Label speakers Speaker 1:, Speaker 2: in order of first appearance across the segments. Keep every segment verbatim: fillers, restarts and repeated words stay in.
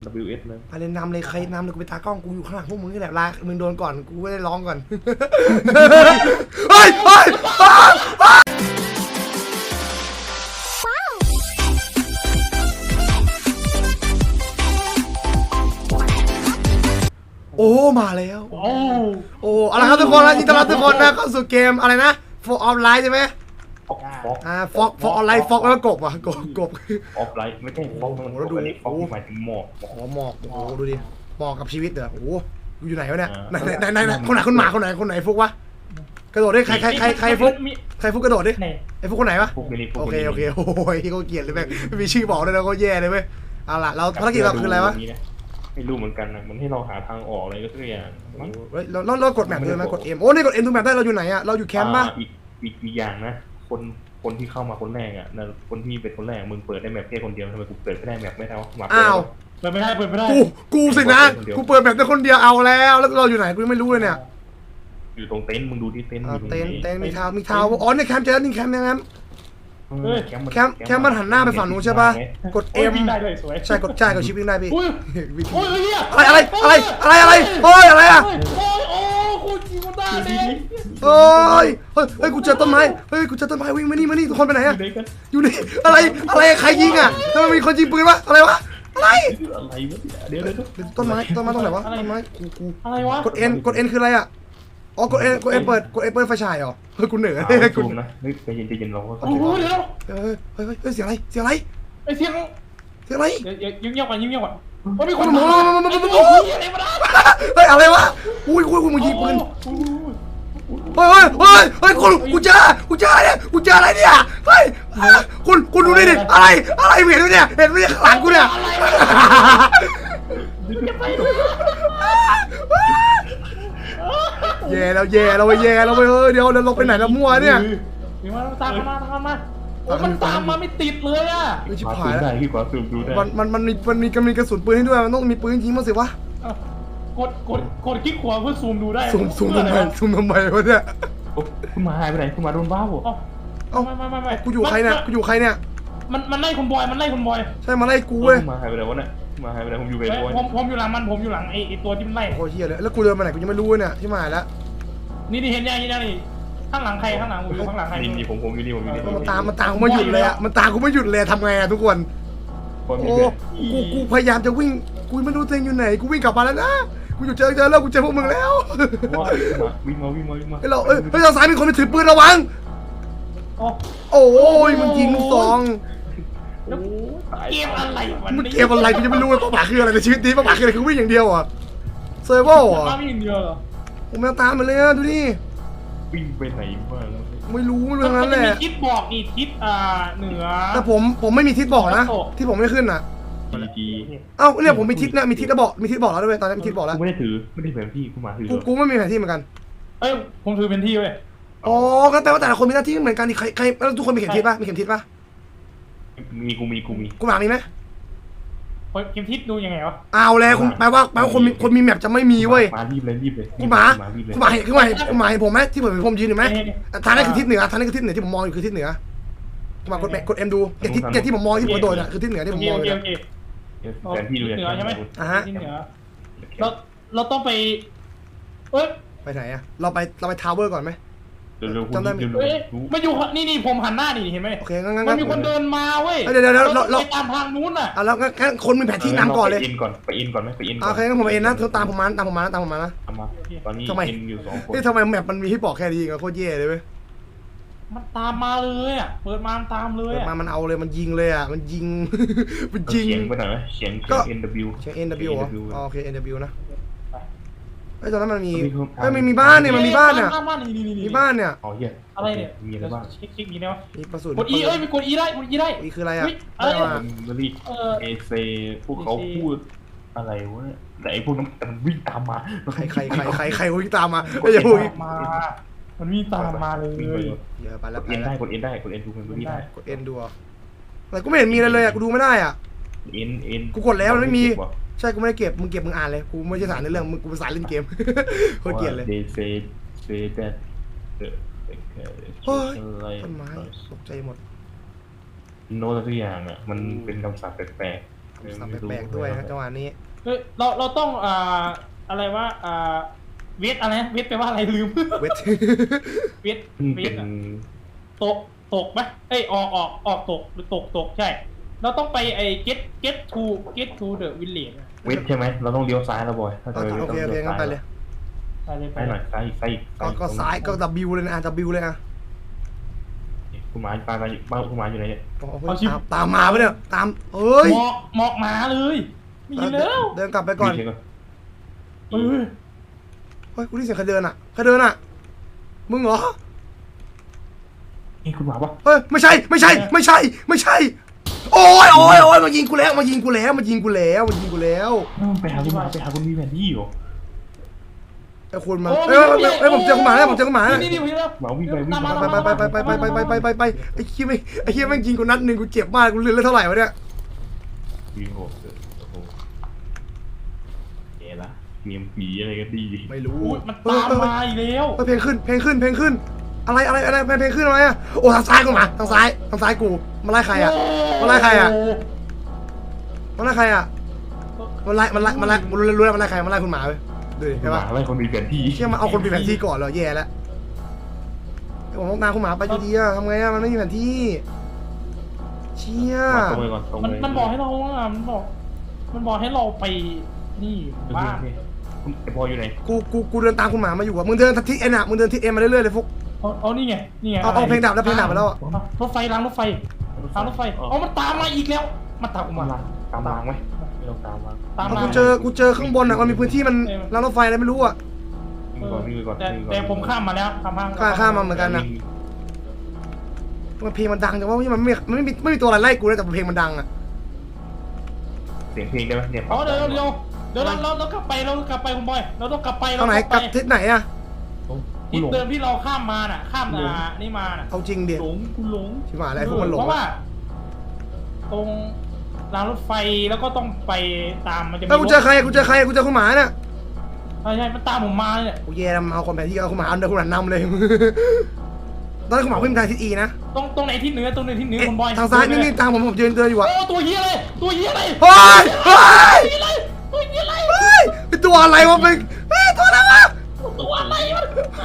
Speaker 1: ดับเบิลยู เอส นะ
Speaker 2: ไปเลยนำเลยใครนำเลยกูไปตากล้องกูอยู่ข้างหลังพวกมึงนี่แหละลามึงโดนก่อนกูไม่ได้ร้องก่อนเฮ้ยเฮ้ยโอ้มาแล้วโอ้โอ้อะไรครับทุกคนนะยินดีต้อนรับทุกคนนะเข้าสู่เกมอะไรนะโฟร์ออนไลน์ใช่ไหม
Speaker 1: ฟอกฟอก
Speaker 2: อ่าฟอกฟอกออนไลน์ฟอกแล้วก็กบอ่ะกบกบ
Speaker 1: ออฟไลน์ไม่ใช่ฟอกมันดูฟอกหมายถึงหมอก
Speaker 2: โอ้หมอกโอ้ดูดิหมอกกับชีวิตเหรอโอ้อยู่ไหนวะเนี่ยไหนไหนไหนไหนคนไหนคนหมาคนไหนคนไหนฟุกวะกระโดดดิใครใครใครใครฟุกใครฟุกกระโดดดิไอ้ฟุกคนไหนวะโอเคโอเคโอ้ยเขาเกลียดเลยแม่ไม่มีชื่อบอกเลยนะเขาแย่เลยเว้ยเอาล่ะเราภารกิจเราคืออะไรวะ
Speaker 1: ไม่รู้เหมือนกันนะมันให้เราหาทางออกอะไรก็สักอย่าง
Speaker 2: เฮ้ยเราเรากดแมปเลยไหมกดเอ็มโอ้นี่กดเอ็มดูแมปได้เราอยู่ไหนอะเราอยู่แคมป์ป่ะ
Speaker 1: อีกอีกอีกอย่างนะคนคนที่เข้ามาคนแรกอ่ะนะคนที่เป็นคนแรกมึงเปิดได้แมปแค่คนเดียวทำไมกูเปิดไม่ได้แมปไม่ได้วะ
Speaker 2: อ้าว
Speaker 3: เปิดไม่ได้เปิดไม่ได้
Speaker 2: กูกูสินะกูเปิดแมปได้คนเดียวเอาแล้วแล้วเราอยู่ไหนกูไม่รู้เลยเนี่ย
Speaker 1: อยู่ตรงเต็นท์มึงดูที่เต็นท์
Speaker 2: เต็นท์เต็นท์มีทาวมีทาวอ๋อในแคมป์เจอนี่แคมป์ยังไงแคมป์แคมป์มันหันหน้าไปฝั่งนู้นใช่ป่ะกดเอ็มใช่กดใช่กดชิปวิ่งได้พี่อะไรอะไรอะไรอะไรอะไรเฮ้ยอะไรอะ
Speaker 3: โอ้ยโอ้กูจีบได้เลย
Speaker 2: เฮ้ยเฮ้ยเฮ้ยกูเจอต้นไม้เฮ้ยกูเจอต้นไม้วิ่งมานี่มานี่ทุกคนไปไหนอะอยู่นี่อะไรอะไรใครยิงอะทำไมมีคนยิงปืนวะอะไรวะอะไร
Speaker 1: อะไรวะเดี๋ยวเดี๋ยว
Speaker 2: ต้นไม้ต้นไม้ตรงไหนวะต้นไม้กูกู
Speaker 3: อะไรวะ
Speaker 2: กดเอ็นกดเอ็นคืออะไรอะอ๋อกดเอ็นกดเอ็นเปิดกดเอ็นเปิดไฟฉายเหรอเฮ้ยกูเหนื่อย
Speaker 1: เลยกูนะเฮ้ยใจเย็นใจเย็นเรา
Speaker 3: โอ้โหเดี๋ยว
Speaker 2: เฮ้ยเฮ้ยเฮ้ยเสียงอะไรเสียงอะไร
Speaker 3: ไอเสียง
Speaker 2: เสียงอะไร
Speaker 3: ยิ้มเงียบก่อนยิ้มเงียบก่อนว่ามีคน
Speaker 2: มา
Speaker 3: มา
Speaker 2: มามามามา
Speaker 3: อะไรมา
Speaker 2: เฮ้ยอะไรวะอุ้ยอุ้ยกูมึงยิงปืนเฮ้ยเฮ้ยเฮ้ยเฮ้ยกูกูเจอกูเจอเนี่ยกูเจออะไรเนี่ยเฮ้ยคุณคุณดูดิดิอะไรอะไรเห็นไหมเนี่ยเห็นไหมเนี่ยข้างหลังกูเนี่ยแย่แล้วแย่เราไปแย่เราไปเฮ้ยเดี๋ยวเราไปไหนแล้วมั่วเนี่ย
Speaker 3: มีมาตามมาตามมามันตามมาไม่ติดเลยอ่ะ
Speaker 2: ไม่ชิบ
Speaker 1: หายได้ที่กว่าซูมดูได้
Speaker 2: มันมันมันมีมันมีมันมีกระสุนปืนให้ด้วยมันต้องมีปืนยิงมาสิวะ
Speaker 3: กดกดกดคลิกขวาเพื่อซูมดูได้
Speaker 2: ซูมซูมทำไมซูมทำไมวะเนี่ย
Speaker 1: คุณมาหายไปไหนคุณมาโดนบ้าบ่
Speaker 2: เอ้า
Speaker 3: ไม่ไม่ไม่ไม่
Speaker 2: กูอยู่ใครเนี่ยกูอยู่ใครเนี่ย
Speaker 3: มันมันไล่คนบอยมันไล่คนบอย
Speaker 2: ใช่มาไล่กูเว้ย
Speaker 1: มาหายไปไหนวะเนี่ยมาหายไปไหนผมอยู่เวรบอย
Speaker 3: ผมผมอยู่หลังมันผมอยู่หลังไอ้ตัวที่มันไล่
Speaker 2: โอ้ยเฮียเลยแล้วกูเดินมาไหนกูยังไม่รู้เนี่ยที่มาแล้ว
Speaker 3: นี่นี่เห็นยังเห็นยังนี่ข้างหลังใครข้างหลังผมอยู่ข้างหลังใคร
Speaker 1: นี่นี่ผมผมอยู่นี่ผมอยู่นี่
Speaker 2: มันตามมันตามกูไม่หยุดเลยอ่ะมันตามกูไม่หยุดเลยทำไงอ่ะทุกคนโอ้กูกูพยายามจะวิ่งกูไม่รู้ตัวเองอยู่ไหนกูวิ่งกลับมาแล้วนะกูอยู่เจอเจอแล้วกูเจอพวกมึงแล้ว
Speaker 1: วิ่งมาวิ่งมาวิ่งมา
Speaker 2: เฮ้ยเราเอ้ยเฮ้ยเราซ้ายมีคนไปถือปืนระวังโอ้ยมันยิงลูกซอง
Speaker 3: เกมอะไร
Speaker 2: มันเกมอะไรกูจะไม่รู้เลยเป้าหมายคืออะไรในชีวิตนี้เป้าหมายคืออะไรคือวิ่งอย่างเดียวอ่ะเซอร์เวอร์อ่ะ
Speaker 3: วิ่งอย่างเดียวเหรอ
Speaker 2: ผมแมวตามมาเลยอ่ะดูนี่
Speaker 1: วิ่งไปไหนบ้าง
Speaker 2: ไม่รู้เรื่องนั้นแหละ
Speaker 3: มีทิศบอกนี่ทิศอ่าเหนือ
Speaker 2: แต่ผมผมไม่มีทิศบอกนะที่ผมไม่ขึ้นอ่ะ
Speaker 1: ดี
Speaker 2: เอ้าเนี่ยผมมีทิศนะมีทิศแล้วบอกมีทิศบอกแล้วด้วยตอนนี้มีทิศบอกแล้ว
Speaker 1: กูไม่ได้ถือไม่ได้แผนที่กูมาถือ
Speaker 2: กูกูไม่มีแผนที่เหมือนกัน
Speaker 3: เอ้ยผมถือแผนที่เว้ย
Speaker 2: อ๋อก็แปลว่าแต่ละคนมีหน้าที่เหมือนกันใครใครแล้วทุกคนมีเข็มทิศป่ะมีเข็มทิศป่ะ
Speaker 1: มีกูมีกูมี
Speaker 2: กูหมามีไหม
Speaker 3: เข็มทิศดูยังไงวะ
Speaker 2: เอาแล้วคุณแปลว่าแปลว่าคนมีคนมีแมปจะไม่มีเว้ย
Speaker 1: มารีบเลยรีบเลย
Speaker 2: กูหมากูหมาเห็นกูหมาเห็นกูหมาเห็นผมไหมที่ผมผมยืนอยู่ไหมทางนั้นคือทิศเหนือทางนั้นคือทิศเหนือที่ผมมองอยู่คือทิศเหนือกูหมากดแมกดเอ็มดูเอ็ที่เอ็ที่ผมมองที่ผมกระโดดอ่ะคือทิศเหนือที่ผมมองเลย
Speaker 1: แผนที่
Speaker 3: เหนือใช่ไหม
Speaker 2: อ่ะฮะ
Speaker 3: ทิศเหนือเราเราต้องไปเอ้ย
Speaker 2: ไปไหนอ่ะเราไปเราไปทาวเวอร์ก่อนไหม
Speaker 1: จำได้ไหม
Speaker 3: มาอยู่นี่นี่ผมหันหน้านี่เห็นไหม
Speaker 2: โอเคงั้นงั้น
Speaker 3: มันมีคนเดินมาเว้ย
Speaker 2: เดี๋ยวเดี๋ยวเรา
Speaker 3: เราไปตามทางนู้นอ่ะ
Speaker 2: อ่ะแล้วงั้นคนมีแผนที่นำก่อนเลย
Speaker 1: ไปอินก่อนไปอินก่อนไหมไปอินก่อน
Speaker 2: โอเคงั้นผมเอ็นนะตามผมมาตามผมมาตามผมมานะ
Speaker 1: ตามมาตอนนี้อินอยู่สองคน
Speaker 2: นี่ทำไมแมปมันมีให้บอกแค่นี้กันโคตรแย่เลยเว้ย
Speaker 3: มันตามมาเลยอ่ะเปิดมาตามเลยอ่ะ
Speaker 2: มามันเอาเลยมันยิงเลยอ่ะมันยิงมันยิง
Speaker 1: เสียงไปหน่อยไหมเสียงก็ เอ็น ดับเบิลยู
Speaker 2: เสียง เอ็น ดับเบิลยู อ๋อโอเค เอ็น ดับเบิลยู นะไอ้ตอนนั้นมันมีเฮ้ยมันมีบ้านเนี่ยมันมีบ้านเนี่ยมีบ้านเนี่ย
Speaker 1: อ๋อเหี้ย
Speaker 3: อะไรเนี่ย
Speaker 1: มีอะไรบ้าง
Speaker 3: คลิกคลิกมีไหมวะ
Speaker 2: มีประสูติ
Speaker 3: กด E เอ้ยมีกด E ได้กด E ได้
Speaker 2: E คืออะไรอ่ะ
Speaker 3: อะไร
Speaker 1: อ่ะมันรีเอเซพวกเขาพูดอะไรวะแต่ไอ้พวกนั้นมันวิ่งตามมา
Speaker 2: ใครใครใครใครใครวิ่งตามมาไม่ใช่วิ่ง
Speaker 3: มามันวิ่งตามมาเลย
Speaker 2: เดี๋ยวไปแล้ว
Speaker 1: กดเอ็นได้กดเอ็นได้กดเอ็นดูมันไม่ได้
Speaker 2: กดเอ็นดูอะไรกูไม่เห็นมีอะไรเลยอ่ะกูดูไม่ได้อ่ะ
Speaker 1: เอ็นเอ็น
Speaker 2: กูกดแล้วมันไม่มีใช่กูไม่ได้เก็บมึงเก็บมึงอ่านเลยกูไม่ใช่สารในเรื่องมึงกูเป็นสารเล่นเกมโคตรเกลียดเลย
Speaker 1: เดซเซเดต
Speaker 2: เฮ้ยต้นไม้ตกใจหมด
Speaker 1: โน้ตทุกอย่างอ่ะมันเป็นคำศัพท์แปลก
Speaker 2: สับแปลกๆด้วยนะจังหวะนี้
Speaker 3: เฮ้ยเราเราต้องอ่าอะไรวะอ่าเวทอะไรเวทแปลว่าอะไรลืม
Speaker 2: เวท
Speaker 3: เวท
Speaker 1: นี่
Speaker 3: เว
Speaker 1: เป็
Speaker 3: ท
Speaker 1: น
Speaker 3: อะตกตกไหมเอ้ยออกออกออกตกหรือตกตกใช่ เราต้องไปไอ้ get get to get to the village อะ
Speaker 1: เวทใช่ไหมเราต้องเลี้ยวซ้ายแล้วบอยถ้าจะ
Speaker 2: โอเคโอเคงั้นไปเลย
Speaker 3: ไปเลยไป
Speaker 1: ไปห
Speaker 3: เล
Speaker 1: น่อย
Speaker 3: ย
Speaker 1: ซ้ายอีกซ้ายอีก
Speaker 2: ก็ก็ซ้ายก็ W เลยนะอ่ะ W เลยอ่ะ
Speaker 1: คุณหมาปลาปลาบ้านคุณหมาอยู่ไหนเนี่ย
Speaker 2: โอ้โหตามตามมาปะเนี่ยตามเอ้ย
Speaker 3: หมอกหมอกหมาเลยมีแล้ว
Speaker 2: เดินกลับไปก่อน
Speaker 1: มีเช็คก่อน
Speaker 3: เออ
Speaker 2: เฮ้ยกูได้ยินเสียงใครเดินอ่ะใครเดินอ่ะมึงเหรอ
Speaker 1: นี่คุณหมาปะ
Speaker 2: เฮ้ยไม่ใช่ไม่ใช่ไม่ใช่ไม่ใช่โอ้ยโอ้ยโอ้ยมายิงกูแล้วมายิงกูแล้วมายิงกูแล้วมายิงกูแล้ว
Speaker 1: ไปหาคุณหมาไปหาคุณมีแผนที่อยู่
Speaker 2: ไอ้คุณมาเอ้ยเอ้ยผมเจอคุณหมาแล้วผมเจอคุณหมาแล้ว
Speaker 3: นี่นี่พี่แล้ว
Speaker 1: หมาวิ่งไปวิ่ง
Speaker 3: ตาม
Speaker 1: ไป
Speaker 3: มา
Speaker 2: ไปไปไปไปไปไปไปไปไปไปไอ้เหี้ยไม่ไอ้เหี้ยแม่งยิงกูนัดหนึ่งกูเจ็บมากกูเลือดเท่าไหร่วะเนี่ย
Speaker 1: วิ่งโหดโอ้โหเอ๋ละเกมผีอะไรกันดี
Speaker 2: ไม่รู้
Speaker 3: อุ้ยมันตามมาอีกแล้ว
Speaker 2: เฮ้ยเพลงขึ้นเพลงขึ้นเพลงขึ้นอะไรอะไรอะไรเพลงขึ้นอะไรอ่ะโอ้ทางซ้ายกูมาทางซ้ายทางซ้ายกูมาไล่ใครอ่ะมาไล่ใครอ่ะมาไล่ใครอ่ะมันไล่มันไล่มันไล่รู้รู้แล้วมันไล่ใครมันไล่คุณหมาไปดูดิ
Speaker 1: คุ
Speaker 2: ใช่
Speaker 1: ณห
Speaker 2: ปะ
Speaker 1: มาไล่คนมีแผนที่
Speaker 2: เชี่ยมาเอาคนมีแผนที่ก่อนเหรอแย่แล้วผมต้องตามคุณหมาไปอยู่ดีอะทำไงอะมันไม่มีแผนที่เชี่ย
Speaker 1: ตรงไปก่อนตรง
Speaker 3: มัน
Speaker 1: ไป
Speaker 3: มันบอกให้เราอ่ะมันบอก มันบอกให้เราไปนี่บ้าน
Speaker 1: คุณไอ้บอยอยู่ไหน
Speaker 2: กูกูกูเดินตามคุณหมามาอยู่อะมึงเดินทิศเอ็นอะมึงเดินทิศเอ็นมาเรื่อยๆเลยฟุก
Speaker 3: เอาเอานี่ไงนี่ไง
Speaker 2: เอาเอาเพลงดับแล้วเพลงดับไปแล้วอะ
Speaker 3: รถไฟรางรถไฟรางรถไฟเอามันตามมาอีกแล้วมันตามกู
Speaker 1: มา
Speaker 3: มา
Speaker 1: ตามทางไหมไม่ต้องตามมา
Speaker 3: ตาม
Speaker 2: เอา
Speaker 3: มา
Speaker 2: กูเจอกูเจอข้างบนอะมันมีพื้นที่มันรางรถไฟอะไรไม่รู้อะ
Speaker 1: วิ่งก่อนวิ่งก่อน
Speaker 3: แต่แต่ผมข้ามมาแล้วข้ามข้าม
Speaker 2: ข้ามข้ามมาเหมือนกันอะมันเพลงมันดังแต่ว่ามันไม่มันไม่มีไม่มีตัวอะไรไล่กูนะแต่เพลงมันดังอะ
Speaker 1: เสียงเพลงได้ไหมเนี่ย
Speaker 3: เอาเดี๋ยวเดี๋ยวเดี๋ยวเราเราเรากลับไปเรากลับไปคุณบอยเราต้องกลับไป
Speaker 2: ตรงไหนกลับทิศไหนอะ
Speaker 3: ทิศเดิมที่เราข้ามมาน่ะ ข้ามอ่านี่มาน่ะ
Speaker 2: เอาจริงดิ
Speaker 3: หลงคุณหลง
Speaker 2: ชิบหายแล้วไอ้พวกมันหลง
Speaker 3: เพราะ
Speaker 2: อะ
Speaker 3: ว่า ตรงรางรถไฟแล้วก็ต้องไปตามมันจะมี
Speaker 2: เอ้ยกูเจอใครกูเจอใครกูเจอคุณหมาเนี่ย
Speaker 3: ใช่ใช่มันตามผมมาเนี่ย
Speaker 2: กูแย่แล้วมันเอาคนแผนที่เอาคุณหมาเอาเดินคุณหมานำเลย ตอนนั้นคุณหมาวิ่งทางทิศอีนะ
Speaker 3: ตรงตรงไหนที่เหนือตรงไหนที่เหนือ
Speaker 2: เอ๊ะ
Speaker 3: คุณบอย
Speaker 2: ทางซ้ายนี่นี่ทางผมผมยืนเดินอยู่อะ
Speaker 3: โอ้ตัวเฮียเลยตัวเฮียเลย
Speaker 2: เฮ้ยเฮ้ย
Speaker 3: ตัวเฮียเลย
Speaker 2: เฮ้ยเป็นตัวอะไรวะเป็นเฮ้ยตัวอะไรวะ
Speaker 3: ตัวอะไรมัน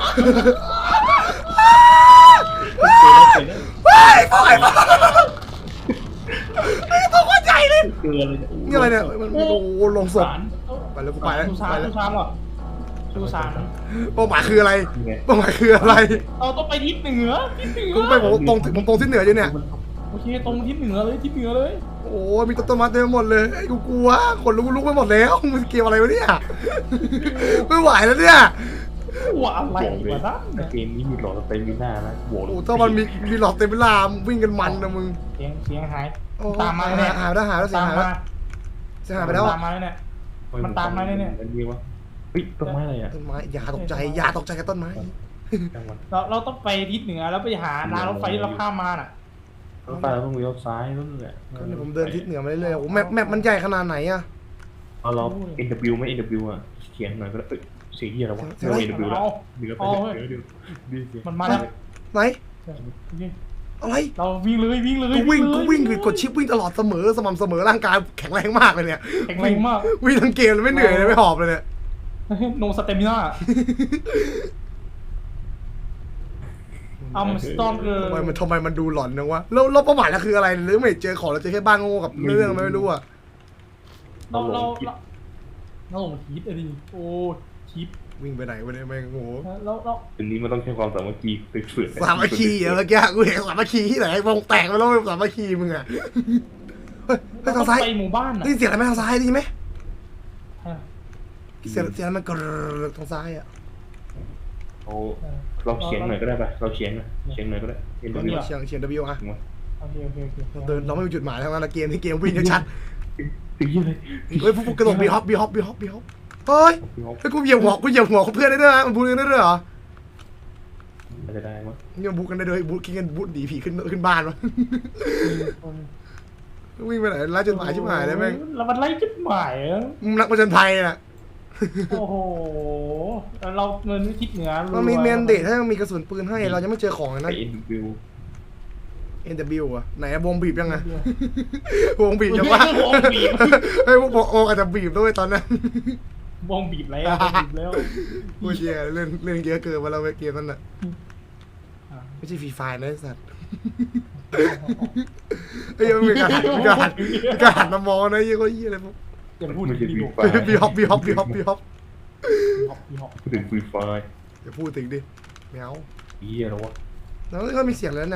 Speaker 2: เฮ้ยพวกไอ้พวกไอ้ตัวคนใหญ่เลย
Speaker 1: เกลือเลย
Speaker 2: นี่อะไรเนี่ยมันโอ้โหลงศพ
Speaker 3: สาร
Speaker 2: ไปแล้วกูไปแล้ว
Speaker 3: สุสา
Speaker 2: ไป
Speaker 3: น
Speaker 2: แล้ว
Speaker 3: สุสานเหรอสุสาน
Speaker 2: เป้าหมายคืออะไรเป้าหมายคืออะไร
Speaker 3: เราต้องไปทิศเหนือทิศเหนือ
Speaker 2: กูไปผมตรงผมตรงที่เหนืออยู่เนี่ย
Speaker 3: โอเคตรงทิศเหนือเลยทิศเหนือเลย
Speaker 2: โอ้มีต้นไม้เต็มไปหมดเลยไอ้กูกลัวขนลุกลุกไปหมดแล้วมันเกี่ยวอะไรวะเนี่ยไม่ไหวแล้วเนี่ย
Speaker 3: ว่าอะไร
Speaker 1: บอกเลยว
Speaker 3: ะนั่นเนี่ย
Speaker 1: เกมนี้มีหลอดเต็มมีหน้านะโหวต
Speaker 2: โอ้ถ้ามันมีมีหลอดเต็มเวลาวิ่งกันมันนะมึง
Speaker 3: เสียงเสียงหาย
Speaker 2: โอ้
Speaker 3: ตามมา
Speaker 2: หา
Speaker 3: เนี่ย
Speaker 2: หาแล้วหาแล้วเสีย
Speaker 3: ตาม
Speaker 2: หายแล้ว
Speaker 3: มา
Speaker 2: เสียหายไปแล้ว
Speaker 3: ตามมาเนี่ย มันตามมาเนี่ย
Speaker 1: มันมีวะเฮ้ยต้นไม้อะไรอ่ะ
Speaker 2: ต้นไม้อย่าตกใจอย่าตกใจกับต้นไม้
Speaker 1: จังหวัด
Speaker 3: เราเราต้องไปทิศเหนือแล้วไปหารางรถไฟที่เราข้ามมาน่ะ
Speaker 1: รถไฟเราต้องเลี้ยวซ้ายนั่นแหละ
Speaker 2: ก็เนี่ยผมเดินทิศเหนือมาเรื่อยๆโอ้แมปแมปมันใหญ่ขนาดไหนอะ
Speaker 1: เอาเรา เอ็น ดับเบิลยู ไหม เอ็น ดับเบิลยู อ่ะเขียนหน่อยก็ได้เอ้ยเสียงเหี้ยอะไรวะ
Speaker 2: เสียง
Speaker 1: เรา
Speaker 2: อะไร
Speaker 1: เอ็น ดับเบิลยูแล้วเดี๋ยวไปเดี๋ยวเดี๋ยวดีเสียง
Speaker 3: มันมาแล้ว
Speaker 2: ไหน
Speaker 3: โอเค
Speaker 2: อะไร
Speaker 3: เราวิ่งเลยวิ่งเลย
Speaker 2: กูวิ่ง
Speaker 3: เลย
Speaker 2: กูวิ่งคือกดชิปวิ่งตลอดเสมอสม่ำเสมอร่างกายแข็งแรงมากเลยเนี่ย
Speaker 3: แข็งแรงมาก
Speaker 2: วิ่งทั้งเกมเลยไม่เหนื่อยเลยไม่หอบเลยเนี่ย
Speaker 3: โนสเตมิน่าอัมสตอมเกอร์
Speaker 2: ทำไมมันทำไมมันดูหลอนนังวะแล้วแล้วเป้าหมายเราคืออะไรหรือไม่เจอของเราเจอแค่บ้านโง่กับเรื่องอะไรไม่รู้อะ
Speaker 3: เราเราเราเราลงทิศอะดิโอ้ทิศ
Speaker 2: วิ่งไปไหนวะเนี่ยแม่งโง่
Speaker 3: แล้วแล้ว
Speaker 1: ทีนี้มันต้องใช้ความสามัคคีฝึกๆ
Speaker 2: สามัคคีเหรอเมื่อกี้กูเห็นสามัคคีที่ไหนวงแตกไปแล้วสามัคคีมึงอะเฮ้ยเฮ้ยทางซ้าย
Speaker 3: ไปหมู่บ้านอ่ะ
Speaker 2: ได้ยินเสียงอะไรไหมทางซ้ายได้ยินไหมเสียงเสียงมันกรรทางซ้ายอะ
Speaker 1: เอาเราเขียนหน่อยก็ได้ป่ะเราเขียนหน่อยเขียนหน่อยก็ได้ เอ็น ดับเบิลยู
Speaker 2: เสียงเสียง W อะ
Speaker 3: โอเคโอเคโอเค
Speaker 2: เราเดินเราไม่มีจุดหมายทั้งนั้นนะเกมที่เกมวิ่งชัด
Speaker 1: ถึงยี่เลย
Speaker 2: เฮ้ยพวกกระโดดบีฮอปบีฮอปบีฮอปบีฮอปเฮ้ยเฮ้ยกูเหยียบหัวกูเหยียบหัวเพื่อนได้ด้วยนะมันบูกันได้ด้วยเหรอ
Speaker 1: อาจจะได้มั้ง
Speaker 2: เนี่ยบูกันได้ด้วยบูกินกันบูหนีผีขึ้นขึ้นบ้านวะวิ่งไปไหนไล่จดหมายชิบหายเลยแม่ง
Speaker 3: แล้วมันไล่จุดหมายอ่ะ
Speaker 2: นักประจนภัยน่ะ
Speaker 3: โอ้โหเราเงินทิศเหนือ
Speaker 2: มันมีเมนเดทถ้ามีกระสุนปืนให้เราจะไม่เจอของเลย
Speaker 1: ไป
Speaker 2: นะ
Speaker 1: เอ็น ดับเบิลยู
Speaker 2: เอ็น ดับเบิลยู อ่ะไหนอะวงบีบยังไงวงบีบยังวะ
Speaker 3: วงบีบ
Speaker 2: เฮ้ยพวกบอกโออาจจะบีบด้วยตอนนั้น
Speaker 3: วงบีบแล้ววงบีบแล้ว
Speaker 2: โอ้ยเหี้ยเล่นเล่นเยอะเกินมาแล้วเกมนั้นอ่ะไม่ใช่ฟรีไฟนะไอ้สัตว์เฮ้ยมีการหันมีการหันมีการหันมามองนะยี่ก็ยี่อะไรพวก
Speaker 3: อย่าพูด
Speaker 1: ไม่ใช่
Speaker 3: ถึง
Speaker 1: ฟรี
Speaker 3: พี่
Speaker 1: ไฟ
Speaker 2: บีฮอปบีฮอปบีฮอปบีฮอป
Speaker 3: ฮอปพี่ฮอป
Speaker 1: พูดถึงฟรีไฟ
Speaker 2: อย่าพูดถึงดิแมว
Speaker 1: เฮียแล้ววะ
Speaker 2: แล้วก็มีเสียงแล้วเนี่ย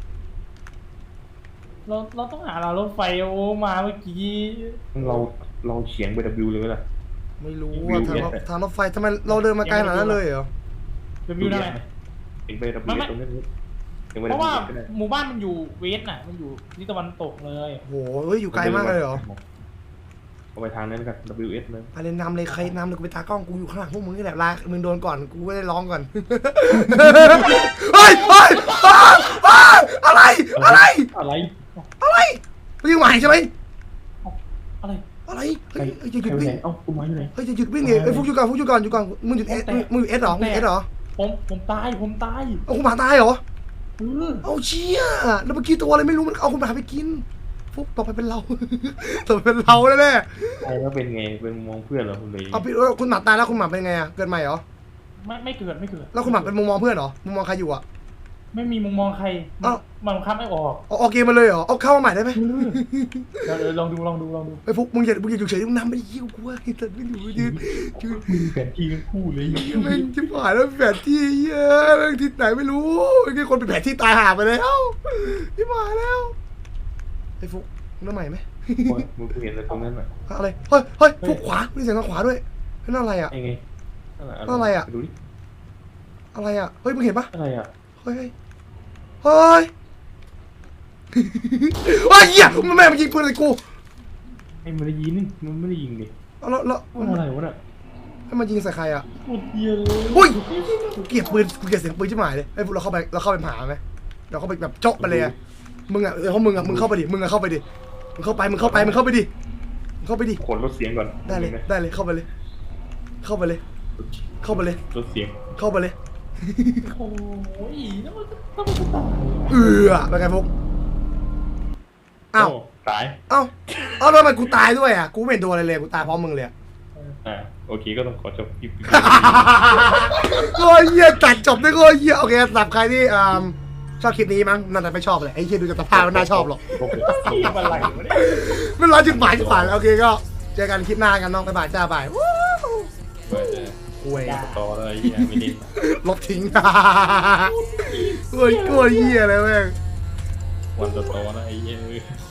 Speaker 3: เราเราต้องหาเรารถไฟโอ้มาเมื่อกี้
Speaker 1: เราเราเฉียงไป W เลยไหมล่ะ
Speaker 2: ไม่รู้ว่าทางรถทางรถไฟทำไมเราเดินมาไกลขนาดนั้นเลยเหรอ
Speaker 3: จะวิวได้ไหม
Speaker 1: เฉียงไป W
Speaker 3: ไม่ไม่
Speaker 1: ตรงนั้นเฉียงไป
Speaker 3: เพ
Speaker 1: W
Speaker 3: ราะว่า
Speaker 1: ก็ได้
Speaker 3: หมู่บ้านมันอยู่เวสน่ะ มันอยู่ทิศตะวันตกเลย
Speaker 2: โหเฮ้ยอยู่ไกลมากเลยเหรอ
Speaker 1: เอาไปทางนั้นกัน W S เลย
Speaker 2: อะไรนำเลยใครนำเลยกูไปตากล้องกูอยู่ข้างหลังพวกมึงนี่แหละลามึงโดนก่อนกูไม่ได้ร้องก่อนเฮ้ยเฮ้ยอ้าวอ้าวอะไรอะไร
Speaker 3: อะไร
Speaker 2: อะไรไม่ใช่หมายใช่ไหม
Speaker 3: อะไร
Speaker 2: อะไร
Speaker 1: ใค
Speaker 2: เฮ้
Speaker 1: ร
Speaker 2: ยเฮ้ยจะห
Speaker 1: ใคร
Speaker 2: ยุด
Speaker 1: ไป
Speaker 2: วิ่
Speaker 1: ไห
Speaker 2: ง
Speaker 1: นเอ้ากูมาอยู่ไหน
Speaker 2: เฮ้ยจะหยุดวิ่งดิเฮ้ยฟุกอยู่ก่อนฟุกอยู่ก่อนอยู่ก่อนมึงหยุดเอสมึงหยุดเอสเหรอมึงหยุดเอสเหรอ
Speaker 3: ผมผมตายผมตาย
Speaker 2: เอาคุณหมาตายเหรอ
Speaker 3: เออ
Speaker 2: เอาเชี่ยแล้วเมื่อกี้ตัวอะไรไม่รู้มันเอาคุณหมาไปกินฟุกต่อไปเป็นเรา ต่อไปเป็นเราแน่
Speaker 1: ใครแล้วเป็นไงเป็นมองเพื่อนเหรอคุณเลย
Speaker 2: ๆเอาพี่คุณหมาตายแล้วคุณหมาเป็นไงอ่ะเกิดใหม่เหรอ
Speaker 3: ไม่ไม่เกิดไม่เกิด
Speaker 2: แล้วคุณหมาเป็นมุมมองเพื่อนเหรอมุมมองใครอยู่อ่ะ
Speaker 3: ไม่มีมุมมองใคร
Speaker 2: เอ้า
Speaker 3: มันบังคับไม่ออก
Speaker 2: เอาออกเกมมาเลยเหรอเอาเข้ามาใหม่ได้ไหม
Speaker 3: เออเดี๋ยวเดี๋ยวลองดูลองดูลองดู
Speaker 2: ไอ้ฟุกมึงอย่ามึงอย่าอยู่เฉยมึงนำไปยิ้วกูว่าไอ้สัตว์ไม่อยู่ยืนยืน
Speaker 3: มีแผนที่ทั้งคู่เลย
Speaker 2: แม่งจิ๋หายแล้วแผนที่เยอะแม่งที่ไหนไม่รู้ไอ้คนเป็นแผนที่ตายหาไปแล้วจิ๋หายแล้วไอ้ฟุกมึงน้ำใหม่ไหม
Speaker 1: มึงเห็นอะไรตรงนั้นอ่ะ
Speaker 2: อะไรเฮ้ยเฮ้ยฟุกขวามีเสียงทางขวาด้วยนั่นอะไรอ่ะ
Speaker 1: ไอ้ไง
Speaker 2: อะไรอะ
Speaker 1: ดูดิ
Speaker 2: อะไรอ่ะเฮ้ยมึงเห็นปะ
Speaker 1: อะไรอ่ะ
Speaker 2: เฮ้ยเฮ้ยเฮ้ยเหี้ยมันแม่งมันยิงปืนใส่กู
Speaker 1: ไอ้มันได้ยินมันไม่ได้ยิงดิ
Speaker 2: แล้วแล้ว
Speaker 1: มันอะไรวะน่ะ
Speaker 2: ให้มันยิงใส่ใครอ่ะ
Speaker 3: ปวดเยียเลย
Speaker 2: อุ้ยกูเกลียดปืนกูเกลียดเสียงปืนชิบหายเลยไอ้พวกเราเข้าไปเราเข้าไปหาไหมเราเข้าไปแบบเจาะไปเลยอะมึงอ่ะเออเขามึงอ่ะมึงเข้าไปดิมึงอ่ะเข้าไปดิมึงเข้าไปมึงเข้าไปมึงเข้าไปดิมึงเข้าไปดิ
Speaker 1: ขนลดเสียงก่อน
Speaker 2: ได้เลยได้เลยเข้าไปเลย เข้าไปเลย เข้าไปเลย
Speaker 1: ลดเสียง
Speaker 2: เข้าไปเลย
Speaker 3: โอ้ยแล้วมันต้องมันตาย
Speaker 2: เออเป็นไงพวกอ้าว
Speaker 1: โตาย
Speaker 2: อ้าวอ้าวแล้วทำไมกูตายด้วยอ่ะกูไม่เห็นโดนอะไรเลยกูตายพร้อมมึงเลยอะ
Speaker 1: อ่าโอเคก็ต้องขอจบคลิป
Speaker 2: โอ้ยเหี้ยตัดจบได้ก็เหี้ยโอเคสำหรับใครที่อ่าชอบคลิปนี้มั้งน่าจะไม่ชอบเลยไอ้เหี้ยดูจากสภาพมันน่าชอบหรอก
Speaker 1: โอเค
Speaker 3: ที่อะไรวะเนี่ย
Speaker 2: มันร้อยจุดหมายจุดหมายโอเคก็เจอกันคลิปหน้ากันน้องบ๊ายบายจ้าบายวู้
Speaker 1: เปิด
Speaker 2: ห่วย
Speaker 1: ต่อเลยเฮียไม่ได้
Speaker 2: ลบทิ้งโอ้ยกลัวเหี้ยเลยแม่ง
Speaker 1: วันต่อๆนะไอ้เหี้ย